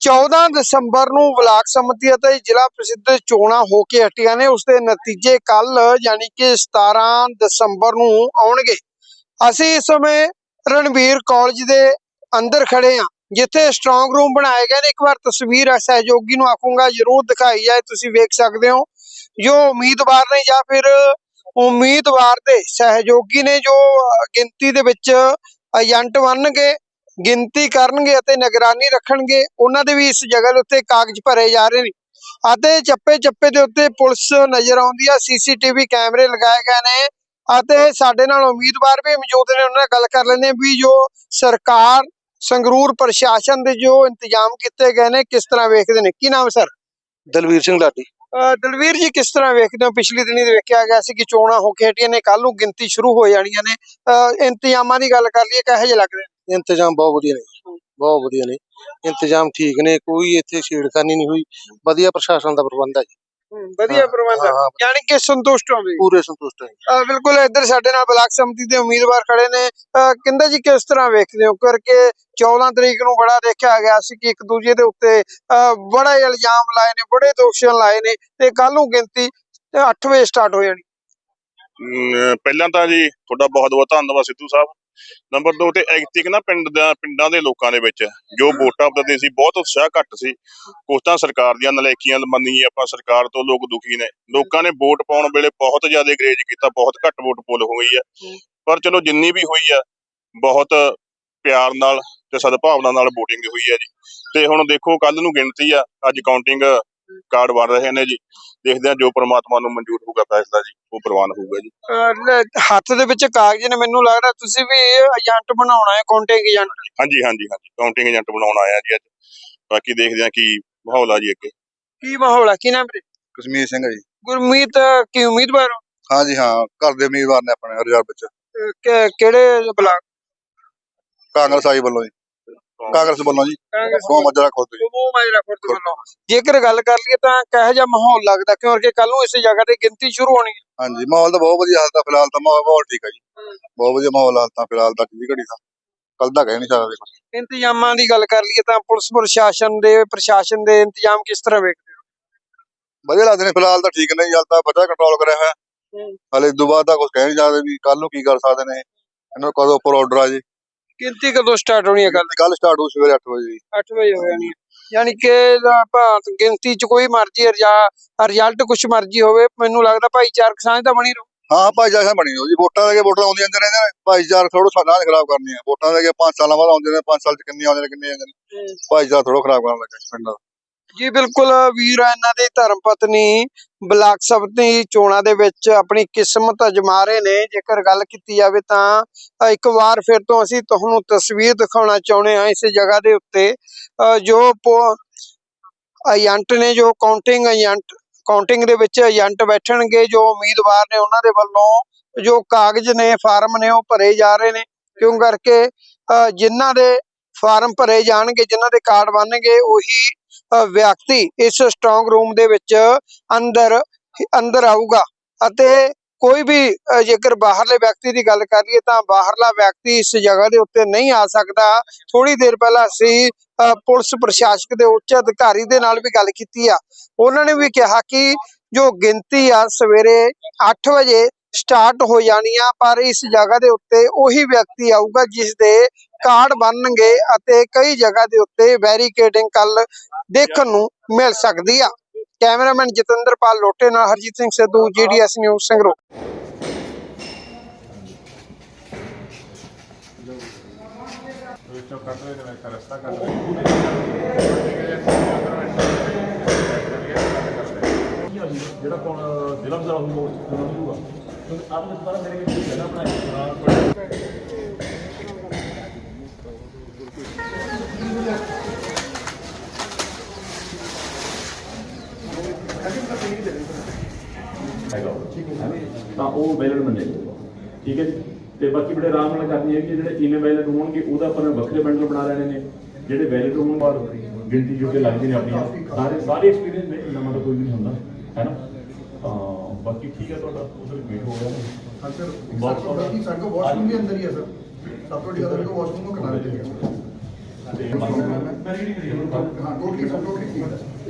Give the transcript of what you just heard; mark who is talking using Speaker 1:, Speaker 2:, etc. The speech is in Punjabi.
Speaker 1: 14 ਦਸੰਬਰ ਨੂੰ ਬਲਾਕ ਸੰਮਤੀ ਅਤੇ ਜ਼ਿਲ੍ਹਾ ਪ੍ਰਸਿੱਧ ਚੋਣਾਂ ਹੋ ਕੇ ਹਟੀਆਂ ਨੇ। ਉਸ ਦੇ ਨਤੀਜੇ ਕੱਲ ਯਾਨੀ ਕਿ 17 ਦਸੰਬਰ ਨੂੰ ਆਉਣਗੇ। ਅਸੀਂ ਇਸ ਸਮੇਂ ਰਣਬੀਰ ਕਾਲਜ ਦੇ ਅੰਦਰ ਖੜੇ ਹਾਂ, ਜਿੱਥੇ ਸਟਰੋਂਗ ਰੂਮ ਬਣਾਏ ਗਏ ਨੇ। ਇੱਕ ਵਾਰ ਤਸਵੀਰ ਸਹਿਯੋਗੀ ਨੂੰ ਆਖੂੰਗਾ ਜ਼ਰੂਰ ਦਿਖਾਈ ਜਾਏ। ਤੁਸੀਂ ਵੇਖ ਸਕਦੇ ਹੋ ਜੋ ਉਮੀਦਵਾਰ ਨੇ ਜਾਂ ਫਿਰ ਉਮੀਦਵਾਰ ਦੇ ਸਹਿਯੋਗੀ ਨੇ, ਜੋ ਗਿਣਤੀ ਦੇ ਵਿੱਚ ਏਜੰਟ ਬਣਨਗੇ, ਗਿਣਤੀ ਕਰਨਗੇ ਅਤੇ ਨਿਗਰਾਨੀ ਰੱਖਣਗੇ। ਉਹਨਾਂ ਦੇ ਵੀ ਇਸ ਜਗ੍ਹਾ ਦੇ ਉੱਤੇ ਕਾਗਜ਼ ਭਰੇ ਜਾ ਰਹੇ ਨੇ ਅਤੇ ਚੱਪੇ ਚੱਪੇ ਦੇ ਉੱਤੇ ਪੁਲਿਸ ਨਜ਼ਰ ਆਉਂਦੀ ਆ। CCTV ਕੈਮਰੇ ਲਗਾਏ ਗਏ ਨੇ ਅਤੇ ਸਾਡੇ ਨਾਲ ਉਮੀਦਵਾਰ ਵੀ ਮੌਜੂਦ ਨੇ। ਉਹਨਾਂ ਨਾਲ ਗੱਲ ਕਰ ਲੈਂਦੇ ਵੀ ਜੋ ਸਰਕਾਰ ਸੰਗਰੂਰ ਪ੍ਰਸ਼ਾਸਨ ਦੇ ਜੋ ਇੰਤਜ਼ਾਮ ਕੀਤੇ ਗਏ ਨੇ ਕਿਸ ਤਰ੍ਹਾਂ ਵੇਖਦੇ ਨੇ। ਕੀ ਨਾਮ ਸਰ?
Speaker 2: ਦਲਵੀਰ ਸਿੰਘ ਲਾਡੀ।
Speaker 1: ਦਲਵੀਰ ਜੀ, ਕਿਸ ਤਰ੍ਹਾਂ ਵੇਖਦੇ ਹੋ? ਪਿਛਲੇ ਦਿਨੀ ਵੇਖਿਆ ਗਿਆ ਸੀ ਕਿ ਚੋਣਾਂ ਹੋ ਕੇ ਹਟੀਆਂ ਨੇ, ਕੱਲ ਨੂੰ ਗਿਣਤੀ ਸ਼ੁਰੂ ਹੋ ਜਾਣੀਆਂ ਨੇ। ਇੰਤਜ਼ਾਮਾਂ ਦੀ ਗੱਲ ਕਰ ਲਈਏ, ਕਿਹੋ ਜਿਹੇ ਲੱਗਦੇ ਨੇ?
Speaker 2: ਇੰਤਜ਼ਾਮ ਬਹੁਤ ਵਧੀਆ ਨੇ, ਬਹੁਤ ਵਧੀਆ ਨੇ। ਇੰਤਜ਼ਾਮ ਠੀਕ ਨੇ, ਕੋਈ ਇੱਥੇ ਛੇੜਖਾਨੀ ਨਹੀਂ ਹੋਈ। ਵਧੀਆ ਪ੍ਰਸ਼ਾਸਨ ਦਾ ਪ੍ਰਬੰਧ ਹੈ ਜੀ।
Speaker 1: ਵਧੀਆ ਪ੍ਰਬੰਧ ਹੈ, ਯਾਨੀ ਕਿ ਸੰਤੁਸ਼ਟ ਹੋ?
Speaker 2: ਪੂਰੇ ਸੰਤੁਸ਼ਟ ਹੈ।
Speaker 1: ਬਿਲਕੁਲ। ਇੱਧਰ ਸਾਡੇ ਨਾਲ ਬਲਾਕ ਸੰਮਤੀ ਦੇ ਉਮੀਦਵਾਰ ਖੜੇ ਨੇ। ਕਹਿੰਦਾ ਜੀ, ਕਿਸ ਤਰ੍ਹਾਂ ਵੇਖਦੇ ਹੋ? ਕਰਕੇ 14 ਤਰੀਕ ਨੂੰ ਬੜਾ ਦੇਖਿਆ ਗਿਆ ਸੀ ਕਿ ਇੱਕ ਦੂਜੇ ਦੇ ਉੱਤੇ ਬੜੇ ਇਲਜ਼ਾਮ ਲਾਏ ਨੇ, ਬੜੇ ਦੋਸ਼ਾਂ ਲਾਏ ਨੇ, ਤੇ ਕੱਲ ਨੂੰ ਗਿਣਤੀ 8 ਵਜੇ ਸਟਾਰਟ ਹੋ ਜਾਣੀ।
Speaker 3: ਪਹਿਲਾਂ ਤਾਂ ਜੀ ਤੁਹਾਡਾ ਬਹੁਤ ਬਹੁਤ ਧੰਨਵਾਦ ਸਿੱਧੂ ਸਾਹਿਬ। ਨੰਬਰ 2 ਤੇ ਐਕਤਿਕ ਨਾ ਪਿੰਡਾਂ ਦੇ ਲੋਕਾਂ ਦੇ ਵਿੱਚ ਜੋ ਵੋਟਾਂ ਪਾਉਂਦੇ ਸੀ, ਬਹੁਤ ਉਤਸ਼ਾਹ ਘੱਟ ਸੀ। ਕੁਛ ਤਾਂ ਸਰਕਾਰ ਦੀਆਂ ਨਲਾਇਕੀਆਂ ਮੰਨੀ ਆਪਾਂ, ਸਰਕਾਰ ਤੋਂ ਲੋਕ ਦੁਖੀ ਨੇ। ਲੋਕਾਂ ਨੇ ਵੋਟ ਪਾਉਣ ਵੇਲੇ ਬਹੁਤ ਜ਼ਿਆਦਾ ਗਰੇਜ ਕੀਤਾ, ਬਹੁਤ ਘੱਟ ਵੋਟ ਪੋਲ ਹੋਈ ਆ। ਪਰ ਚਲੋ ਜਿੰਨੀ ਵੀ ਹੋਈ ਆ, ਬਹੁਤ ਪਿਆਰ ਨਾਲ ਤੇ ਸਦਭਾਵਨਾ ਨਾਲ ਵੋਟਿੰਗ ਹੋਈ ਆ ਜੀ। ਤੇ ਹੁਣ ਦੇਖੋ ਕੱਲ ਨੂੰ ਗਿਣਤੀ ਆ, ਅੱਜ ਕਾਊਂਟਿੰਗ ਕਾਰਡ ਬਣ ਰਹੇ ਨੇ ਜੀ। ਦੇਖਦੇ ਆ ਜੋ ਪ੍ਰਮਾਤਮਾ ਨੂੰ ਮਨਜ਼ੂਰ ਹੋਊਗਾ ਫੈਸਲਾ ਜੀ, ਉਹ ਪ੍ਰਵਾਨ ਹੋਊਗਾ ਜੀ।
Speaker 1: ਹੱਥ ਦੇ ਵਿੱਚ ਕਾਗਜ਼ ਨੇ, ਮੈਨੂੰ ਲੱਗਦਾ ਤੁਸੀਂ ਵੀ ਏਜੰਟ ਬਣਾਉਣਾ ਹੈ, ਕਾਊਂਟਿੰਗ ਏਜੰਟ।
Speaker 3: ਹਾਂਜੀ ਹਾਂਜੀ ਹਾਂਜੀ, ਕਾਊਂਟਿੰਗ ਏਜੰਟ ਬਣਾਉਣ ਆਇਆ ਜੀ ਅੱਜ। ਬਾਕੀ ਦੇਖਦੇ ਆ ਕੀ ਮਾਹੌਲ ਆ ਜੀ ਅੱਗੇ।
Speaker 1: ਕੀ ਮਾਹੌਲ ਆ? ਕੀ ਨਾਮ ਵੀਰੇ?
Speaker 2: ਕਸ਼ਮੀਰ ਸਿੰਘ ਜੀ।
Speaker 1: ਗੁਰਮੀਤ, ਕੀ ਉਮੀਦਵਾਰ ਹੋ?
Speaker 2: ਹਾਂਜੀ ਹਾਂ, ਘਰ ਦੇ ਉਮੀਦਵਾਰ ਨੇ ਆਪਣੇ ਰਿਜ਼ਰਵ ਵਿੱਚ।
Speaker 1: ਕਿਹੜੇ ਬਲਾਕ?
Speaker 2: ਕਾਂਗਰਸ ਆਈ ਵੱਲੋਂ ਜੀ, ਕਾਂਗਰਸ ਵੱਲੋਂ ਜੀ। ਮਾਜਰਾ ਖੁਰਦ
Speaker 1: ਵੱਲੋਂ ਜੇਕਰ ਗੱਲ ਕਰ ਲਈਏ ਤਾਂ ਕਿਹੋ ਜਿਹਾ ਮਾਹੌਲ ਲੱਗਦਾ, ਕਿਉਂਕਿ ਕੱਲ ਨੂੰ ਇਸ ਜਗ੍ਹਾ ਤੇ ਗਿਣਤੀ ਸ਼ੁਰੂ ਹੋਣੀ ਹੈ?
Speaker 2: ਹਾਂਜੀ, ਮਾਹੌਲ ਤਾਂ ਬਹੁਤ ਵਧੀਆ। ਹਾਲ ਤਾਂ ਫਿਲਹਾਲ ਤਾਂ ਮਾਹੌਲ ਠੀਕ ਹੈ ਜੀ, ਬਹੁਤ ਵਧੀਆ ਮਾਹੌਲ ਹਾਲ ਤਾਂ ਫਿਲਹਾਲ ਤੱਕ ਦੀ ਘੜੀ ਦਾ। ਕੱਲ ਦਾ ਕਹਿ ਨਹੀਂ ਸਕਦੇ।
Speaker 1: ਇੰਤਜ਼ਾਮਾਂ ਦੀ ਗੱਲ ਕਰ ਲਈਏ ਤਾਂ ਪੁਲਿਸ ਪ੍ਰਸ਼ਾਸਨ ਦੇ ਇੰਤਜ਼ਾਮ ਕਿਸ ਤਰ੍ਹਾਂ ਵੇਖਦੇ ਹੋ?
Speaker 2: ਵਧੀਆ ਲੱਗਦੇ ਨੇ, ਫਿਲਹਾਲ ਤਾਂ ਠੀਕ ਨੇ। ਹਾਲ ਤਾਂ ਵਧੀਆ ਕੰਟਰੋਲ ਕਰਿਆ ਹੋਇਆ। ਹਾਲੇ ਇਦੋਂ ਬਾਅਦ ਤਾਂ ਕੁਝ ਕਹਿ ਨਹੀਂ ਸਕਦੇ ਵੀ ਕੱਲ ਨੂੰ ਕੀ ਕਰ ਸਕਦੇ ਨੇ। ਇਹਨਾਂ ਨੂੰ ਕਦੋਂ ਉੱਪਰ ਆਰਡਰ ਆ ਜੀ।
Speaker 1: ਗਿਣਤੀ ਕਦੋਂ ਸਟਾਰਟ ਹੋਣੀ ਹੈ?
Speaker 2: ਕੱਲ ਸਟਾਰਟ ਹੋਊ ਸਵੇਰੇ 8 ਵਜੇ ਜੀ।
Speaker 1: 8 ਵਜੇ ਹੋ ਜਾਣੀ ਹੈ, ਯਾਨੀ ਕਿ ਗਿਣਤੀ ਚ ਕੋਈ ਮਰਜ਼ੀ ਰਿਜ਼ਲਟ ਕੁਛ ਮਰਜ਼ੀ ਹੋਵੇ, ਮੈਨੂੰ ਲੱਗਦਾ ਭਾਈਚਾਰਕ ਸਾਂਝ ਤਾਂ ਬਣੀ ਰਹੂ।
Speaker 2: ਹਾਂ, ਭਾਈਚਾਰਾ ਬਣੀ ਰਹੂ ਜੀ। ਵੋਟਾਂ ਦੇ ਕੇ ਵੋਟਾਂ ਆਉਂਦੀਆਂ ਜਾਂਦੇ ਨੇ, ਭਾਈਚਾਰਾ ਥੋੜਾ ਸਾਡਾ ਖਰਾਬ ਕਰਨੀ ਹੈ। ਵੋਟਾਂ ਦੇ ਕੇ 5 ਸਾਲਾਂ ਬਾਅਦ ਆਉਂਦੇ ਨੇ, 5 ਸਾਲ ਚ ਕਿੰਨੇ ਆਉਂਦੇ ਨੇ, ਕਿੰਨੇ ਜਾਂਦੇ ਨੇ। ਭਾਈਚਾਰਾ ਥੋੜਾ ਖਰਾਬ ਕਰਨ ਲੱਗਾ ਪਿੰਡ ਦਾ
Speaker 1: ਜੀ। ਬਿਲਕੁਲ ਵੀਰ, ਇਹਨਾਂ ਦੀ ਧਰਮ ਪਤਨੀ ਬਲਾਕ ਸੰਮਤੀ ਚੋਣਾਂ ਦੇ ਵਿੱਚ ਆਪਣੀ ਕਿਸਮਤ ਅਜਮਾ ਰਹੇ ਨੇ। ਜੇਕਰ ਗੱਲ ਕੀਤੀ ਜਾਵੇ ਤਾਂ ਇੱਕ ਵਾਰ ਫਿਰ ਤੋਂ ਅਸੀਂ ਤੁਹਾਨੂੰ ਤਸਵੀਰ ਦਿਖਾਉਣਾ ਚਾਹੁੰਦੇ ਹਾਂ ਇਸ ਜਗ੍ਹਾ ਦੇ ਉੱਤੇ। ਜੋ ਏਜੰਟ ਨੇ, ਜੋ ਕਾਊਂਟਿੰਗ ਦੇ ਵਿੱਚ ਏਜੰਟ ਬੈਠਣਗੇ, ਜੋ ਉਮੀਦਵਾਰ ਨੇ ਉਹਨਾਂ ਦੇ ਵੱਲੋਂ ਜੋ ਕਾਗਜ਼ ਨੇ, ਫਾਰਮ ਨੇ, ਉਹ ਭਰੇ ਜਾ ਰਹੇ ਨੇ। ਕਿਉਂ ਕਰਕੇ ਜਿਨ੍ਹਾਂ ਦੇ ਫਾਰਮ ਭਰੇ ਜਾਣਗੇ, ਜਿਨ੍ਹਾਂ ਦੇ ਕਾਰਡ ਬਣਨਗੇ, ਉਹੀ ਵਿਅਕਤੀ ਇਸ ਸਟਰੋਂਗ ਰੂਮ ਦੇ ਵਿੱਚ ਅੰਦਰ ਆਊਗਾ। ਅਤੇ ਕੋਈ ਵੀ ਜੇਕਰ ਬਾਹਰਲੇ ਵਿਅਕਤੀ ਦੀ ਗੱਲ ਕਰੀਏ ਤਾਂ ਬਾਹਰਲਾ ਵਿਅਕਤੀ ਇਸ ਜਗ੍ਹਾ ਦੇ ਉੱਤੇ ਨਹੀਂ ਆ ਸਕਦਾ। ਥੋੜੀ ਦੇਰ ਪਹਿਲਾਂ ਅਸੀਂ ਪੁਲਿਸ ਪ੍ਰਸ਼ਾਸਕ ਦੇ ਉੱਚ ਅਧਿਕਾਰੀ ਦੇ ਨਾਲ ਵੀ ਗੱਲ ਕੀਤੀ ਆ। ਉਹਨਾਂ ਨੇ ਵੀ ਕਿਹਾ ਕਿ ਜੋ ਗਿਣਤੀ ਆ ਸਵੇਰੇ 8 ਵਜੇ ਸਟਾਰਟ ਹੋ ਜਾਣੀ ਆ, ਪਰ ਇਸ ਜਗ੍ਹਾ ਦੇ ਉੱਤੇ ਉਹੀ ਵਿਅਕਤੀ ਆਊਗਾ ਜਿਸ ਦੇ ਕਾਰਡ ਬਣਨਗੇ ਅਤੇ ਕਈ ਜਗ੍ਹਾ ਦੇ ਉੱਤੇ ਬੈਰੀਕੇਡਿੰਗ ਕੱਲ ਦੇਖਣ ਨੂੰ ਮਿਲ ਸਕਦੀ ਆ। ਕੈਮਰਾਮੈਨ ਜਤਿੰਦਰਪਾਲ ਲੋਟੇ ਨਾਲ ਹਰਜੀਤ ਸਿੰਘ ਸਿੱਧੂ, GDS ਨਿਊਜ਼ ਸੰਗਰੂਰ।
Speaker 4: ਤਾਂ ਉਹ ਬੈਲਟ ਮੰਨੇ, ਠੀਕ ਹੈ ਜੀ। ਤੇ ਬਾਕੀ ਬੜੇ ਆਰਾਮ ਨਾਲ ਕਰਨੀ ਹੈ ਕਿ ਜਿਹੜੇ ਇਵੇਂ ਬੈਲਟ ਹੋਣਗੇ ਉਹਦਾ ਆਪਾਂ ਵੱਖਰੇ ਬੰਡਲ ਬਣਾ ਲੈਣੇ ਨੇ। ਜਿਹੜੇ ਬੈਲਟ ਹੋਣ ਬਾਅਦ ਗਿਣਤੀ ਜੋ ਕਿ ਲੱਗਦੇ ਨੇ ਆਪਣੀਆਂ ਸਾਰੇ ਐਕਸਪੀਰੀਅੰਸ ਨੇ, ਨਵਾਂ ਤਾਂ ਕੋਈ ਵੀ ਨਹੀਂ ਹੁੰਦਾ ਹੈ ਨਾ। ਤਾਂ ਬਾਕੀ ਠੀਕ ਹੈ, ਤੁਹਾਡਾ ਉਧਰ ਵੇਟ ਹੋ ਗਿਆ।
Speaker 5: हाँ सर, बाकी साइड का वॉशरूम भी अंदर ही है सर। सब तो वाशरूम को करा देते हैं।
Speaker 4: ਤੇ
Speaker 5: ਮੈਂ ਰੀਡ ਕਰੀ ਹਾਂ ਟੋਟਲੀ ਠੀਕ ਹੈ